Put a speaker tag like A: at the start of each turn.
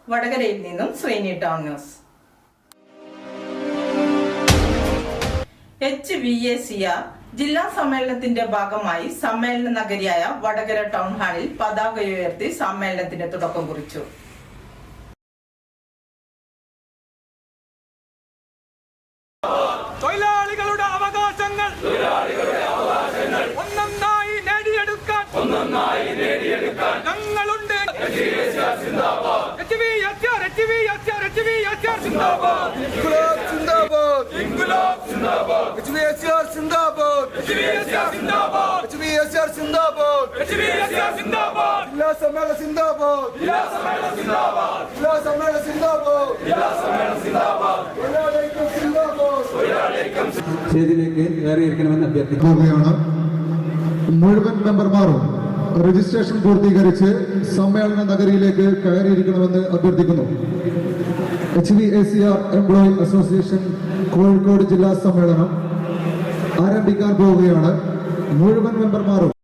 A: വടകരയിൽ നിന്നും Sreeni town news. HVACR ജില്ലാ സമ്മേളനത്തിന്റെ ഭാഗമായി സമ്മേളന നഗരിയായ വടകര ടൗൺ ഹാളിൽ പതാക ഉയർത്തി സമ്മേളനത്തിന് തുടക്കം കുറിച്ചു.
B: തൊഴിലാളികളുടെ അവകാശങ്ങൾ ഒന്നൊന്നായി നേടിയെടുക്കാൻ ഞങ്ങളുണ്ട്.
C: സ്റ്റേജിലേക്ക് കയറിയിരിക്കണമെന്ന് അഭ്യർത്ഥിക്കുകയാണ്.
D: മുഴുവൻ മെമ്പർമാരും രജിസ്ട്രേഷൻ പൂർത്തീകരിച്ച് സമ്മേളന നഗരിയിലേക്ക് കയറിയിരിക്കണമെന്ന് അഭ്യർത്ഥിക്കുന്നു. HVACR എംപ്ലോയി അസോസിയേഷൻ കോഴിക്കോട് ജില്ലാ സമ്മേളനം ആരംഭിക്കാൻ പോവുകയാണ്. മുഴുവൻ മെമ്പർമാരും